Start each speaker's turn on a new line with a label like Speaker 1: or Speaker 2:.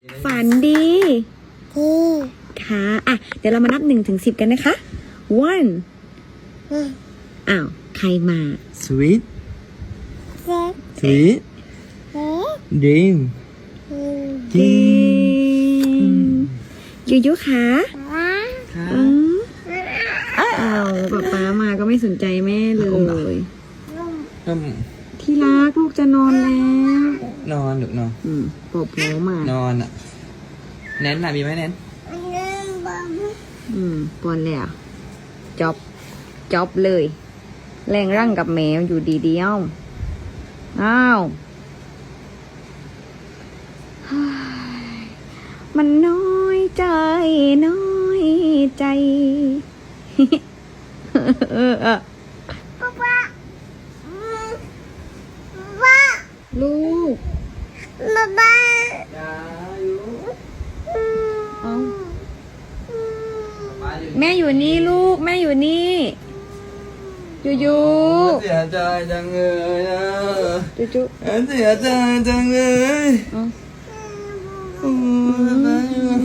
Speaker 1: ฝันดีค่ะอ่ะ เดี๋ยวเรามานับ1 ถึง 10กันนะคะ one อ้าว ใครมา
Speaker 2: sweet sweet dream
Speaker 1: เก่งยูยูค่ะ
Speaker 2: ค่ะ
Speaker 1: อ้าวป๊ามาก็ไม่สนใจแม่เลย
Speaker 2: อืม
Speaker 1: ที่รักลูกจะนอนแล้ว
Speaker 2: นอนหรือนอน
Speaker 1: ปอบหัวมาน
Speaker 2: อนอ่ะแนนน่ะมีไหมแนน
Speaker 1: ปอนแล้วจ๊อบเลย แรงร่างกับแมวอยู่ดีเดียวอ้าวมันน้อยใจน้อยใจลูกเอาแม่อยู่นี่ลูกแม่อยู่นี่ยู
Speaker 2: เสียใจจังเลยอ่ะ
Speaker 1: จู
Speaker 2: เสียใจจังเลย
Speaker 1: เอา
Speaker 2: โอ้ย